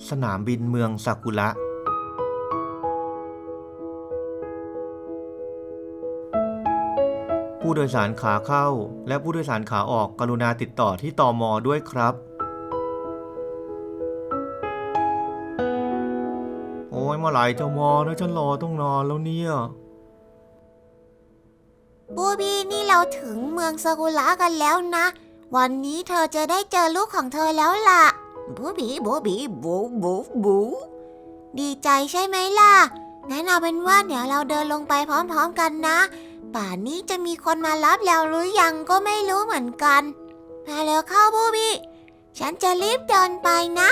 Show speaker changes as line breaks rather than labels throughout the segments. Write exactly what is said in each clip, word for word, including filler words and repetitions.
สนามบินเมืองซากุระผู้โดยสารขาเข้าและผู้โดยสารขาออกกรุณาติดต่อที่ตม.ด้วยครับโอ้ยเมื่อไหร่จะมานะฉันรอต้องนานแล้วเนี่ย
บูบี้นี่เราถึงเมืองซากุระกันแล้วนะวันนี้เธอจะได้เจอลูกของเธอแล้วล่ะบูบี้บูบี้บูบูบูดีใจใช่ไหมล่ะงั้นเอาเป็นว่าเดี๋ยวเราเดินลงไปพร้อมๆกันนะป่านนี้จะมีคนมารับแล้วหรือยังก็ไม่รู้เหมือนกันมาเร็วเข้าบูบี้ฉันจะรีบเดินไปนะ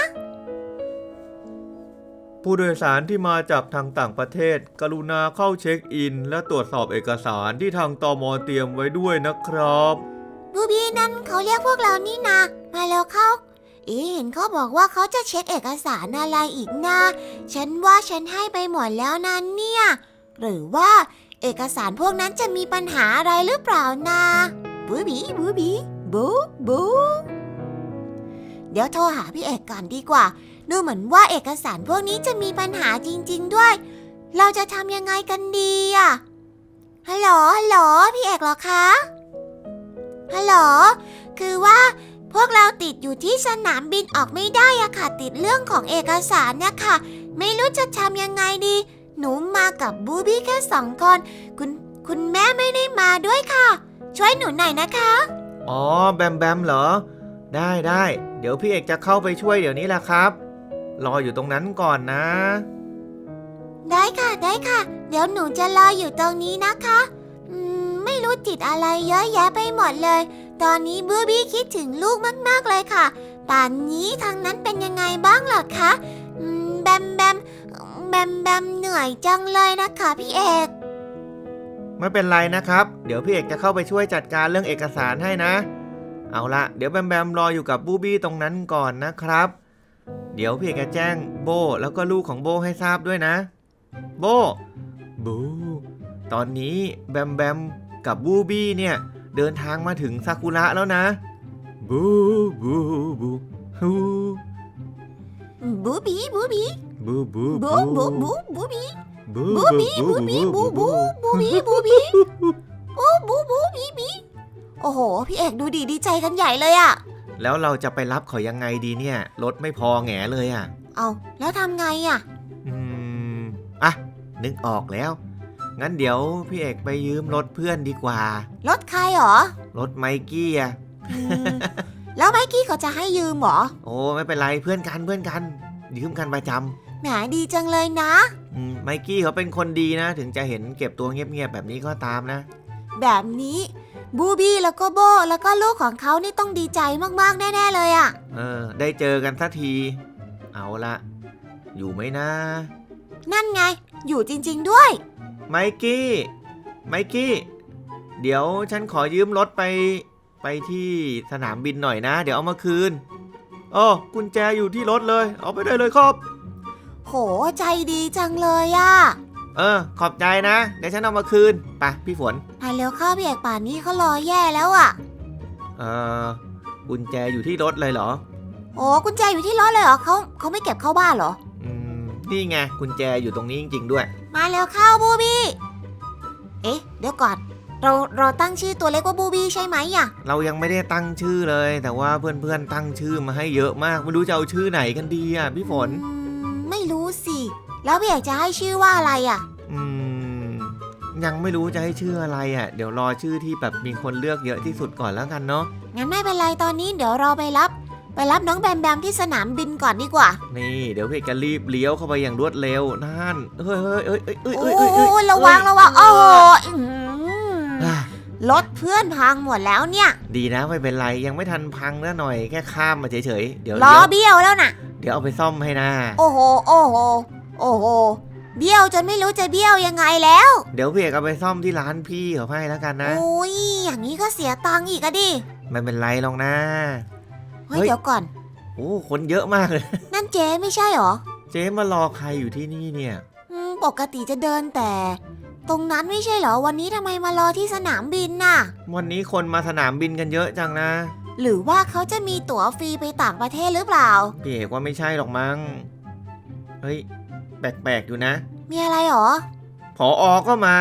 ผู้โดยสารที่มาจากทางต่างประเทศกรุณาเข้าเช็คอินและตรวจสอบเอกสารที่ทางตม.เตรียมไว้ด้วยนะครับ
บูบี้นั่นเขาเรียกพวกเรานี่นะมาแล้วเข้าเอ๊ะเห็นเขาบอกว่าเขาจะเช็คเอกสารอะไรอีกนะฉันว่าฉันให้ไปหมดแล้วนะเนี่ยหรือว่าเอกสารพวกนั้นจะมีปัญหาอะไรหรือเปล่านะบูบี้บูบี้บูบูเดี๋ยวโทรหาพี่เอกก่อนดีกว่าดูเหมือนว่าเอกสารพวกนี้จะมีปัญหาจริงๆด้วยเราจะทำยังไงกันดีอะฮัลโหลฮัลโหลพี่เอกเหรอคะฮัลโหลคือว่าพวกเราติดอยู่ที่สนามบินออกไม่ได้อะค่ะติดเรื่องของเอกสารเนี่ยค่ะไม่รู้จะทำยังไงดีหนูมากับบูบี้แค่สองคนคุณคุณแม่ไม่ได้มาด้วยค่ะช่วยหนูหน่อยนะคะ
อ๋อแบมแบมเหรอได้ได้เดี๋ยวพี่เอกจะเข้าไปช่วยเดี๋ยวนี้แหละครับรออยู่ตรงนั้นก่อนนะ
ได้ค่ะได้ค่ะเดี๋ยวหนูจะรออยู่ตรงนี้นะคะอืมไม่รู้ติดอะไรเยอะแยะไปหมดเลยตอนนี้บูบี้คิดถึงลูกมากๆเลยค่ะป่านนี้ทางนั้นเป็นยังไงบ้างล่ะคะอืมแบมแบมแบมแบมเหนื่อยจังเลยนะคะพี่เอก
ไม่เป็นไรนะครับเดี๋ยวพี่เอกจะเข้าไปช่วยจัดการเรื่องเอกสารให้นะเอาละเดี๋ยวแบมแบมรออยู่กับบูบี้ตรงนั้นก่อนนะครับเดี๋ยวพี่เอกจะแจ้งโบแล้วก็ลูกของโบให้ทราบด้วยนะโบบูตอนนี้แบมแบมกับบูบี้เนี่ยเดินทางมาถึงซากุระแล้วนะบูบูบูฮู
บูบี้บูบี้
บูบู
บูบูบูบูบี้บูบี้บูบี้บูบูบูบี้บูบี้บูบูบูบี้บี้โอ้โหพี่เอกดูดีดีใจกันใหญ่เลยอะ
แล้วเราจะไปรับเขายังไงดีเนี่ยรถไม่พอแง่เลยอะ
เอาแล้วทำไงอะ
อืมอ่ะนึกออกแล้วงั้นเดี๋ยวพี่เอกไปยืมรถเพื่อนดีกว่าร
ถใครหรอ
รถไมกี้อะ
แล้วไมกี้เขาจะให้ยืมหรอ
โอ้ไม่เป็นไรเพื่อนกันเพื่อนกันยืมกันประจำ
แหมดีจังเลยนะ
อืมไมกี้เขาเป็นคนดีนะถึงจะเห็นเก็บตัวเงียบๆแบบนี้ก็ตามนะ
แบบนี้บูบี้แล้วก็โบแล้วก็ลูกของเขานี่ต้องดีใจมากๆแน่ๆเลยอะ
เออได้เจอกันสักทีเอาละอยู่ไหมนะ
นั่นไงอยู่จริงๆด้วย
ไมกี้ไมกี้เดี๋ยวฉันขอยืมรถไปไปที่สนามบินหน่อยนะเดี๋ยวเอามาคืนอ๋อกุญแจอยู่ที่รถเลยเอาไปได้เลยครับ
โหใจดีจังเลยอะ
เออขอบใจนะเดี๋ยวฉันเอามาคืนไปพี่ฝน
ไปเร็วเข้าพี่เอกป่านนี้เขารอแย่แล้วอะ
เออกุญแจอยู่ที่รถเลยเหรอ
โอ้กุญแจอยู่ที่รถเลยเหรอเขาเขาไม่เก็บเข้าบ้านเหรอ
อืมนี่ไงกุญแจอยู่ตรงนี้จริงๆด้วย
มาเร็วเข้าบูบี้เอ๊ะเดี๋ยวก่อนเราเราตั้งชื่อตัวเล็กว่าบูบี้ใช่ไหมอะ
เรายังไม่ได้ตั้งชื่อเลยแต่ว่าเพื่อนๆตั้งชื่อมาให้เยอะมากไม่รู้จะเอาชื่อไหนกันดีอ่ะพี่ฝน
ไม่รู้สิแล้วพี่เอกจะให้ชื่อว่าอะไรอ่ะ
อืมยังไม่รู้จะให้ชื่ออะไรอ่ะเดี๋ยวรอชื่อที่แบบมีคนเลือกเยอะที่สุดก่อนแล้วกันเนาะ
งั้นไม่เป็นไรตอนนี้เดี๋ยวเราไปรับไปรับน้องแบมแบมที่สนามบินก่อนดีกว่า
นี่เดี๋ยวพี่จะรีบเลี้ยวเข้าไปอย่างรวดเร็วนั่นเฮ้ยเฮ้ยเฮ้ยเฮ้ยเฮ้ย
เฮ้ยโอ้ระวังระวังโอ้โหรถเพื่อนพังหมดแล้วเนี่ย
ดีนะไม่เป็นไรยังไม่ทันพังนะหน่อยแค่ข้ามมาเฉยๆเดี๋ยว
ล้อเบี้ยวแล้วน่ะ
เดี๋ยวเอาไปซ่อมให้นะ
โอ้โหโอ้โหโอ้โหเบี้ยวจนไม่รู้จะเบี้ยวยังไงแล้ว
เดี๋ยวพี่เอกเอาไปซ่อมที่ร้านพี่เขาให้แล้วกันนะ
โอ้ยอย่างนี้ก็เสียตังค์อีกอะดิ
ไม่เป็นไรหรอกนะ
เฮ้ยเดี๋ยวก่อน
โอ้คนเยอะมากเลย
นั่นเจ๊ไม่ใช่หรอ
เจ๊มารอใครอยู่ที่นี่เนี่ย
ปกติจะเดินแต่ตรงนั้นไม่ใช่เหรอวันนี้ทำไมมารอที่สนามบินน่ะ
วันนี้คนมาสนามบินกันเยอะจังนะ
หรือว่าเขาจะมีตั๋วฟรีไปต่างประเทศหรือเปล่า
พี่เอกว่าไม่ใช่หรอกมั้งเฮ้ยแปลกๆอยู่นะ
มีอะไรหรอ
ผออก็มา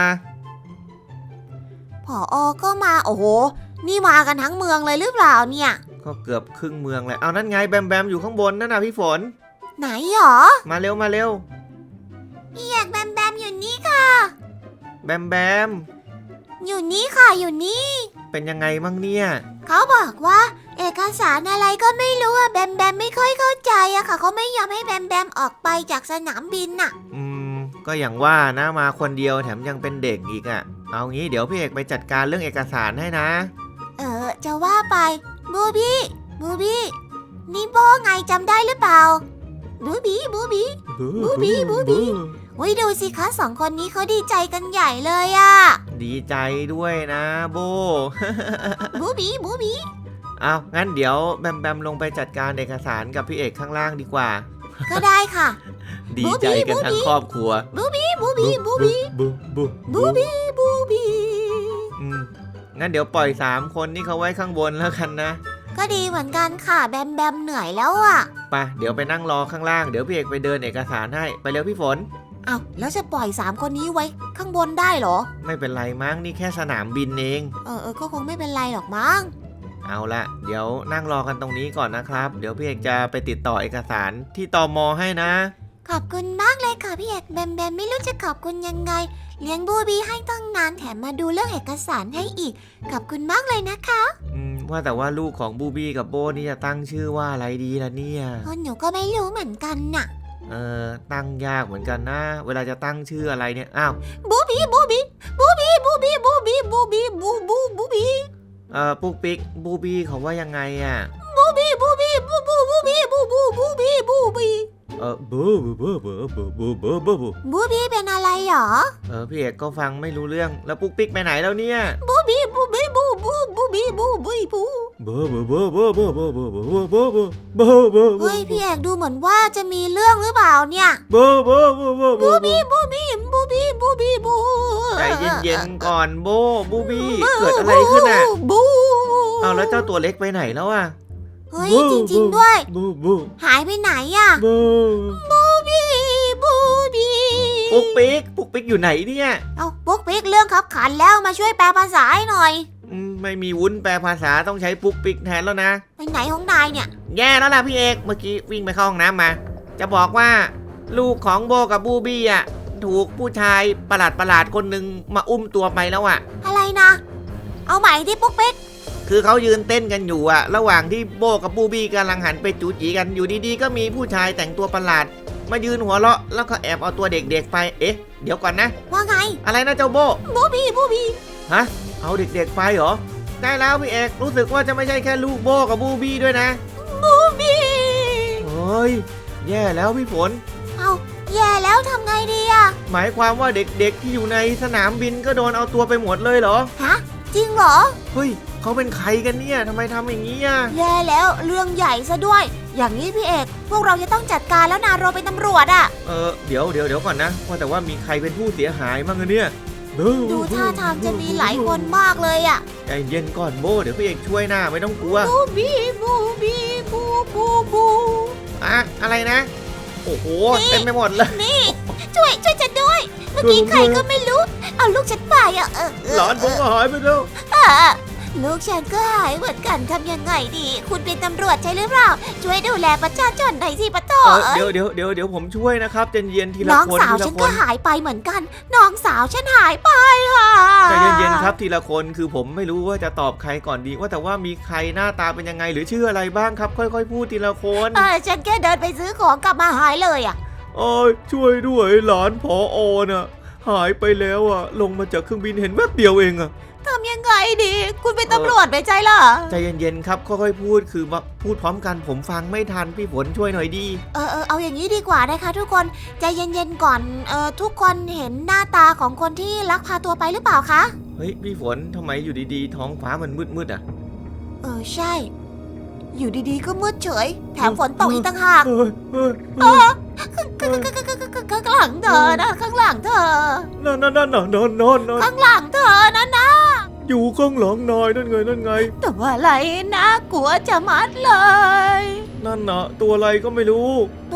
ผออก็มาโอ้โหนี่มากันทั้งเมืองเลยหรือเปล่าเนี่ย
ก็เกือบครึ่งเมืองเลยเอานั่นไงแบมแบมอยู่ข้างบนนั่นนะพี่ฝน
ไหนหรอ
มาเร็วมาเร็ว
พี่เอกแบมแบมอยู่นี่ค่ะ
แบมแบม
อยู่นี่ค่ะอยู่นี่
เป็นยังไงมั่งเนี่ย
เขาบอกว่า เอกสารอะไรก็ไม่รู้อะแบมแบมไม่ค่อยเข้าใจอะค่ะเขาไม่ยอมให้แบมแบมออกไปจากสนามบินน่ะ
อืมก็อย่างว่านะมาคนเดียวแถมยังเป็นเด็กอีกอะ่ะเอางี้เดี๋ยวพี่เอกไปจัดการเรื่องเอกสารให้นะ
เออจะว่าไปบูบี้บูบี้นี่โบไงจำได้หรือเปล่าบูบี้บูบี้ บูบี้บูบี้ วิดูสิคะสองคนนี้เขาดีใจกันใหญ่เลยอะ
ดีใจด้วยนะโบ
บูบี้บูบี้
เอางั้นเดี๋ยวแบมแบมลงไปจัดการเอกสารกับพี่เอกข้างล่างดีกว่า
ก็ได้ค่ะ
ดีใจกันทั้งครอบครัว
บูบี้บูบี้บูบี้
บูบู
บูบี้บูบี้
อืมงั้นเดี๋ยวปล่อยสามคนนี่เขาไว้ข้างบนแล้วกันนะ
ก็ดีเหมือนกันค่ะแบมแบมเหนื่อยแล้วอะ
ไปเดี๋ยวไปนั่งรอข้างล่างเดี๋ยวพี่เอกไปเดินเอกสารให้ไปเร็วพี่ฝน
เอาแล้วจะปล่อยสามคนนี้ไว้ข้างบนได้เหรอ
ไม่เป็นไรมั้งนี่แค่สนามบินเอง
เออเออก็คงไม่เป็นไรหรอกมั้ง
เอาละเดี๋ยวนั่งรอกันตรงนี้ก่อนนะครับ เดี๋ยวพี่เอกจะไปติดต่อเอกสารที่ตมให้นะ
ขอบคุณมากเลยค่ะพี่เอกแบมแบมไม่รู้จะขอบคุณยังไงเลี้ยงบูบี้ให้ตั้งนานแถมมาดูเรื่องเอกสารให้อีกขอบคุณมากเลยนะคะ
อืมว่าแต่ว่าลูกของบูบี้กับโบนี่จะตั้งชื่อว่าอะไรดีล่ะเนี่ย
เพราะหนูก็ไม่รู้เหมือนกันน่ะ
เออตั้งยากเหมือนกันนะ เวลาจะตั้งชื่ออะไรเนี่ยอ้าว
บูบี้บูบี้บูบี้บูบี้บูบี้บูบี้บูบูบูบี้
เออปุ๊กปิ๊กบูบี้เขาว่ายังไงอ่ะ
บูบี้บูบี้บูบูบูบี้บูบูบูบี้บูบี้
เออบูบูบูบูบูบูบูบูบู
บูบี้เป็นอะไรหรอ
เออพี่เอกก็ฟังไม่รู้เรื่องแล้วปุ๊กปิ๊กไปไหนแล้วเนี่ย
บูบี้บูบี้บูบูบูบี้บูบี้บู
บูบูบูบูบูบูบูบูบูบูบูบูบู
เฮ้ยพี่เอกดูเหมือนว่าจะมีเรื่องหรือเปล่าเนี่ย
บูบูบูบูบู
บูบี้บูบี้บูบี้บูบี้บู
ใจเย็นๆก่อนโบบูบี้เกิดอะไรขึ้นอ่ะ
บู
เอาแล้วเจ้าตัวเล็กไปไหนแล้วอ่ะ
เฮ้ยจริงๆด้วย
บูบู
หายไปไหนอ่ะ
บู
บูบี้บูบี้
ปุ๊กปิ๊กปุ๊กปิ๊กอยู่ไหนเนี่ย
เอาปุ๊กปิ๊กเรื่องขับขันแล้วมาช่วยแปลภาษาให้หน่อย
อืมไม่มีวุ้นแปลภาษาต้องใช้ปุ๊กปิ๊กแทนแล้วนะ
ไปไหนของนายเนี่ย
แย่แล้วล่ะพี่เอกเมื่อกี้วิ่งไปเข้าห้องน้ำมา จะบอกว่า ลูกของโบกับบูบี้อ่ะถูกผู้ชายประหลาดประหลาดๆคนหนึ่งมาอุ้มตัวไปแล้วอ่ะ
อะไรนะ เอาใหม่ที่ปุ๊กปิ๊ก
คือเขายืนเต้นกันอยู่อ่ะ ระหว่างที่โบกับบูบี้กำลังหันไปจูจีกันอยู่ดีๆก็มีผู้ชายแต่งตัวประหลาด มายืนหัวเราะแล้วก็แอบเอาตัวเด็กๆไปเอ๊ะเดี๋ยวก่อนนะ
ว่าไง
อะไรนะเจ้าโบ
บูบี้บูบี้
ฮะเอาเด็กๆไปเหรอได้แล้วพี่เอกรู้สึกว่าจะไม่ใช่แค่ลูกโบกับบูบี้ด้วยนะ
บูบี้
เฮ้ยแย่แล้วพี่ฝน
เอาแย่แล้วทำไงดีอะ
หมายความว่าเด็กๆที่อยู่ในสนามบินก็โดนเอาตัวไปหมดเลยเหรอ
ฮะจริงเหรอ
เฮ้ยเขาเป็นใครกันเนี่ยทำไมทำอย่างนี้อ่ะ
แย่แล้วเรื่องใหญ่ซะด้วย อย่างนี้พี่เอกพวกเราจะต้องจัดการแล้วนะเราเป็นตำรวจอะ
เออเดี๋ยวเดี๋ยวเดี๋ยวก่อนนะว่าแต่ว่ามีใครเป็นผู้เสียหายบ้างอะเนี่ย
ดูท่าทางจะมีหลายคนมากเลยอะ
ใจเย็นก่อนโบเดี๋ยวพี่เอกช่วยหน้าไม่ต้องกลัว
บูบี้บูบี้บูบูบู
อะอะไรนะ โอ้โหเต็มไปหมดเลย
นี่ช่วยช่วยฉันด้วย เมื่อกี้ใครก็ไม่รู้ เอาลูกฉันไปอะเออเออ
หลานผมก็หายไปแล้ว
อ่ะลูกฉันก็หายเหมือนกันทำยังไงดี คุณเป็นตำรวจใช่หรือเปล่า ช่วยดูแลประชาชนหน่อยสิปะโถ
เออเดี๋ยวเดี๋ยวเดี๋ยวเดี๋ยวผมช่วยนะครับใจเย็นทีละ
น้อง
คน
สาว
ที
ฉั
ละ
น
ค
ก็
น
หายไปเหมือนกัน น้องสาวฉันหายไปค่ะ
ใจเย็นๆครับทีละคนคือผมไม่รู้ว่าจะตอบใครก่อนดี ว่าแต่ว่ามีใครหน้าตาเป็นยังไงหรือชื่ออะไรบ้างครับ ค่อยๆพูดทีละคน
เออฉันแค่เดินไปซื้อของกลับมาหายเลยอ่ะ
โอ้ยช่วยด้วยหลานผออน่ะหายไปแล้วอ่ะลงมาจากเครื่องบินเห็นแวบเดียวเองอ่ะ
ทำยังไงดี คุณเป็นตำรวจไม่ใช่เหรอ
ใจเย็นๆครับค่อยๆพูดคือมาพูดพร้อมกันผมฟังไม่ทันพี่ฝนช่วยหน่อยดี
เออเออเอาอย่างนี้ดีกว่านะคะทุกคนใจเย็นๆก่อนเออทุกคนเห็นหน้าตาของคนที่ลักพาตัวไปหรือเปล่าคะ
เฮ้ยพี่ฝนทำไมอยู่ดีๆ ท้องฟ้ามันมืดๆอ่ะ
เออใช่ อยู่ดีๆก็มืดเฉย แถมฝนตกอีกต่างหาก
เฮ้ยเฮ้ย
เออข้างข้างหลังเธอนะข้างหลังเธอ
นั่นนั่นนั่นนอนนอนนอน
ข้างหลังเธอนะนะ
อยู่ข้างหลังนายนั่นไงนั่นไง
ตัวอะไรนะกลัวจะมัดเลย
นั่นน่ะตัวอะไรก็ไม่รู้
ตัว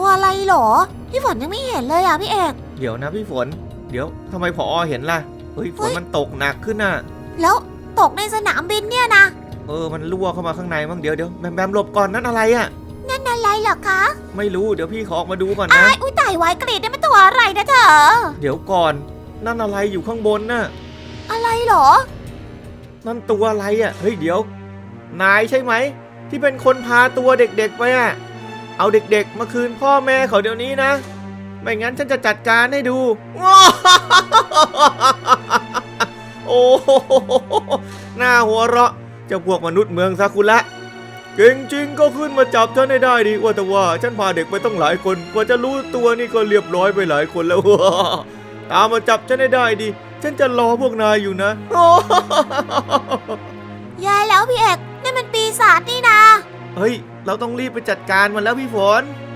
อะไรหรอพี่ฝนยังไม่เห็นเลยอ่ะพี่เอก
เดี๋ยวนะพี่ฝน เดี๋ยวทำไมผอเห็นล่ะเฮ้ยฝ
เฮ้
น
ย
มันตกหนักขึ้นน่ะ
แล้วตกในสนามบินเนี่ยนะ
เออมันรั่วเข้ามาข้างในมั้งเดี๋ยวเดี๋ยวแบมแบมหลบก่อนนั่นอะไรอะ
นั่นอะไรเหรอคะ
ไม่รู้เดี๋ยวพี่ขอออกมาดูก่อน
อ้า
นะ
ยอุ้ยตายไว้กรีดได้เป็นตัวอะไรนะเธอ
เดี๋ยวก่อนนั่นอะไรอยู่ข้างบนน่ะ
อะไรหรอ
นั่นตัวอะไรอะเฮ้ยเดี๋ยว นายใช่ไหมที่เป็นคนพาตัวเด็กๆไปอะเอาเด็กๆมาคืนพ่อแม่เขาเดี๋ยวนี้นะไม่งั้นฉันจะจัดการให้ดู โอ้โหหน้าหัวเราะเจ้าพวกมนุษย์เมืองซากุระเก่งจริงก็ขึ้นมาจับฉันให้ได้ดิว่าแต่ว่าฉันพาเด็กไปต้องหลายคนกว่าจะรู้ตัวนี่ก็เรียบร้อยไปหลายคนแล้ว ตามมาจับฉันให้ได้ดิฉันจะรอพวกนายอยู่นะ
แย่แล้วพี่เอกนั่นมันปีศาจนี่นะ
เฮ้ยเราต้องรีบไปจัดการมันแล้วพี่ฝน